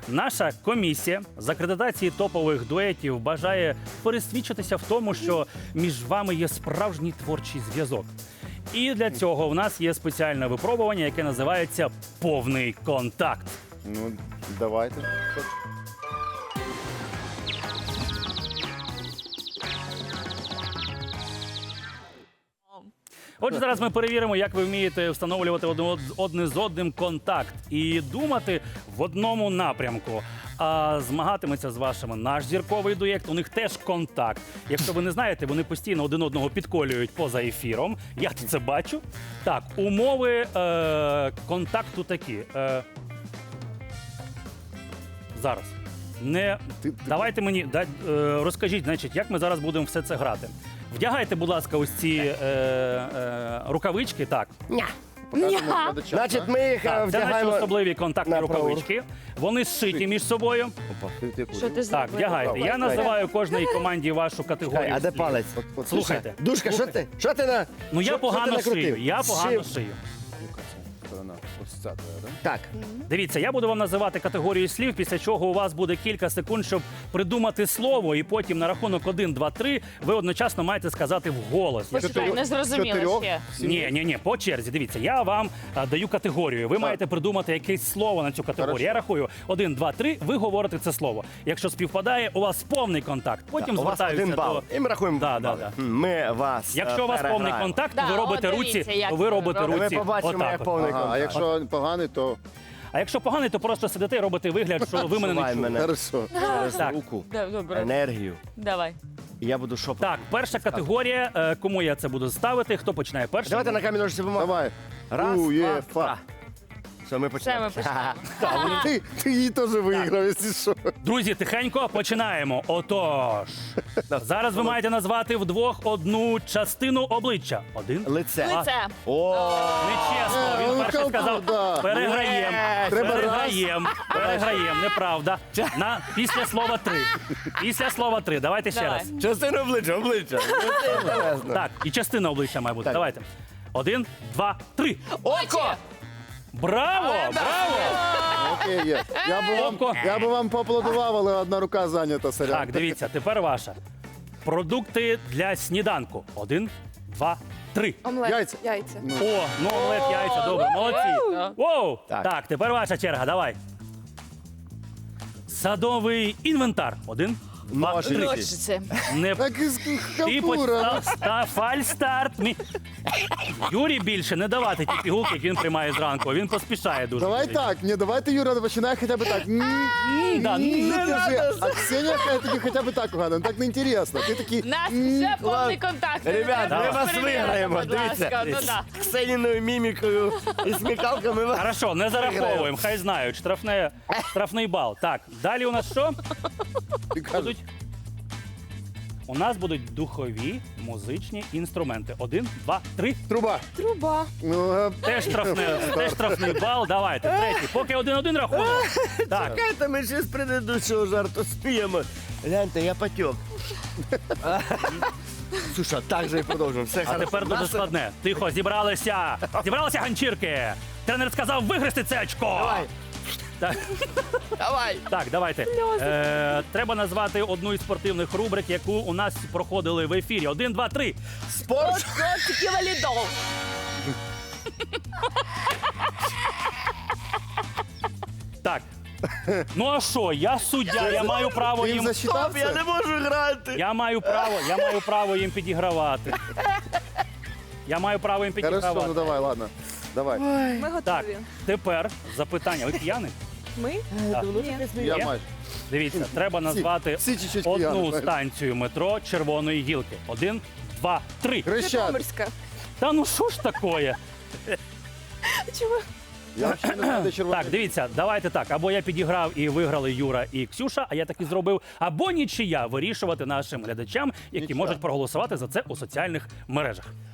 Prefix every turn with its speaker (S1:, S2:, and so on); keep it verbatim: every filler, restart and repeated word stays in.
S1: Наша комісія з акредитації топових дуетів бажає пересвідчитися в тому, що між вами є справжній творчий зв'язок. І для цього в нас є спеціальне випробування, яке називається «Повний контакт».
S2: Ну, давайте.
S1: Отже, зараз ми перевіримо, як ви вмієте встановлювати одне- одне з одним контакт і думати в одному напрямку. А змагатиметься з вашими наш зірковий дует. У них теж контакт. Якщо ви не знаєте, вони постійно один одного підколюють поза ефіром. Я тут це бачу. Так, умови е- контакту такі. Е- зараз. Не
S2: Ти- ти-
S1: давайте мені да, е, розкажіть, значить, як ми зараз будемо все це грати. Вдягайте, будь ласка, ось ці е, е, рукавички. Так,
S2: Показуємо глядачам,
S3: Значить,
S2: так?
S3: ми їх е,
S1: так це наші
S3: вдягаємо.
S1: особливі контактні
S3: на праву
S1: рукавички. Вони зшиті між собою.
S2: Опа, ти- ти
S4: Що
S2: куди?
S4: ти зробив?
S1: Так, вдягайте. Я називаю кожній команді вашу
S3: Чекай,
S1: категорію.
S3: а де
S1: слів.
S3: палець?
S2: От- от
S1: Слухайте.
S3: Душка, що ти? Що ти на.
S1: Ну
S3: що-
S1: я
S3: що
S1: погано
S3: ти накрутив?
S1: шию. Я погано
S3: Шив.
S1: шию.
S2: Яка це сторона? Ось ця твоя, так?
S3: Так.
S1: Дивіться, я буду вам називати категорію слів, після чого у вас буде кілька секунд, щоб придумати слово, і потім на рахунок один, два, три ви одночасно маєте сказати вголос.
S4: Почекай, не зрозуміло
S2: Чотирьох?
S4: ще.
S1: Ні, ні, ні, по черзі. Дивіться, я вам а, даю категорію. Ви маєте придумати якесь слово на цю категорію.
S2: Хорошо.
S1: Я рахую один, два, три. Ви говорите це слово. Якщо співпадає, у вас повний контакт. Потім
S3: У вас
S1: звертаються
S3: один бал.
S1: до.
S3: І ми рахуємо
S1: Да, да,
S3: бали.
S1: да.
S3: Ми вас.
S1: Якщо
S3: е,
S1: у вас повний
S3: переграємо.
S1: контакт,
S4: Да,
S1: ви робите
S4: от
S1: руці,
S4: дивіться, як
S1: ви
S4: це
S1: робите
S4: робимо.
S1: руці.
S3: Ми побачимо,
S1: отак
S3: як
S1: от.
S3: повний
S2: Ага, а
S3: контакт.
S2: якщо поганий, то
S1: А якщо поганий, то просто сидите і робите вигляд, що ви мене не
S3: Шувай
S1: чуєте.
S3: мене.
S2: хорошо.
S3: Через
S1: Так.
S3: руку,
S4: Да, Добре,
S3: енергію.
S4: давай.
S3: І я буду шопати.
S1: Так, перша категорія. Е, Кому я це буду ставити? Хто починає перший?
S3: Давайте на камінь ножиці бумагу.
S2: Давай.
S3: Раз, два,
S2: УЄФА.
S3: два. Все, ми
S4: Все,
S3: почнемо.
S4: ми почнемо.
S2: Ти, ти її теж виграв, якщо що.
S1: Друзі, тихенько починаємо. Отож, зараз ви маєте назвати вдвох одну частину обличчя. Один.
S3: Лице.
S4: Лице.
S3: О,
S1: Нечесно.
S2: Е,
S1: Він
S2: ну,
S1: перший
S2: кому,
S1: сказав.
S2: да.
S1: Переграєм.
S3: Ні,
S2: треба
S1: Переграєм. Переграєм. Неправда. На після слова три. Після слова три. Давайте ще
S4: Давай.
S1: раз.
S3: частина обличчя, обличчя. Це інтересно.
S1: Так, і частина обличчя має бути.
S3: Так.
S1: Давайте. Один, два, три.
S3: Око!
S1: Браво! Браво!
S2: Окей, є. Я би вам,
S1: Око.
S2: я би вам поаплодував, але одна рука зайнята, сорян.
S1: Так, дивіться, тепер ваша. Продукти для сніданку. Один, два, три.
S5: Омлет.
S2: Яйця.
S5: Яйця.
S1: О, ну омлет, яйця, добре, молодці.
S4: Да.
S1: Воу!
S3: Так.
S1: Так, тепер ваша черга, давай. Садовий інвентар. Один, два,
S3: Ножиці.
S1: три.
S4: Ножиці.
S1: Не
S2: Так із
S1: ти
S2: халтура.
S1: почав ста фальстарт. Мі... Юрі більше не давати ті пігулки, які він приймає зранку. Він поспішає дуже.
S2: Давай так, ні, давайте, Юра, починай хоча б так. Ні,
S1: М, да,
S2: ні,
S1: не
S2: держи. А Ксенія хай тобі хоча б так угадує, так не інтересно. Ти такий,
S4: Нас
S2: м,
S4: вже повний
S3: ладно.
S4: контакт.
S3: Ребят,
S4: Треба
S3: ми вас
S4: перевіряти,
S3: виграємо,
S4: будь ласка.
S3: дивіться.
S4: Ну, да.
S3: З Ксеніною мімікою і смікалками вас.
S1: Хорошо, не зараховуємо, хай знають. Штрафне, штрафний бал. Так, далі у нас що?
S2: ти кажеш,
S1: Будуть? У нас будуть духові музичні інструменти. Один, два, три.
S2: Труба.
S5: Труба.
S2: Ну, е,
S1: Теж штрафний, теж штрафний бал. Давайте, третій. Поки один-один рахунок. Так,
S3: Чекайте, ми ще з предыдущого жарту спіємо. Гляньте, я потек. Слушай, так же і продовжуємо. Все
S1: а
S3: хорошо.
S1: тепер дуже
S3: Нас-
S1: складне. Тихо, зібралися. Зібралися ганчірки. Тренер сказав вигрести це очко.
S3: Давай,
S1: Так,
S3: давай.
S1: так, давайте. Е, треба назвати одну із спортивних рубрик, яку у нас проходили в ефірі. Один, два, три.
S3: Спорт.
S4: Котики валідол.
S1: Так. Ну а що? Я суддя, я маю право
S2: Ти їм
S1: їм.
S2: засчитав
S3: Стоп, я
S2: це?
S3: не можу грати.
S1: Я маю право, я маю право їм підігравати. Я маю право їм
S2: Хорошо,
S1: підігравати.
S2: ну давай, ладно. Давай.
S5: Ми
S1: Так,
S5: готові.
S1: тепер запитання. Ви п'яні?
S5: Ми?
S1: Так.
S5: Ні.
S2: Я
S1: Є?
S2: майже.
S1: Дивіться, треба назвати
S2: всі чуть-чуть
S1: одну
S2: п'яні, знаєш.
S1: станцію метро Червоної гілки. Один, два, три.
S2: Хрещат.
S5: Житомирська.
S1: Та ну що ж такое?
S5: Чого?
S2: Я взагалі не знаю, де червоний.
S1: Так, дивіться, давайте так. Або я підіграв і виграли Юра і Ксюша, а я так і зробив. Або нічия вирішувати нашим глядачам, які
S2: Нічия.
S1: можуть проголосувати за це у соціальних мережах.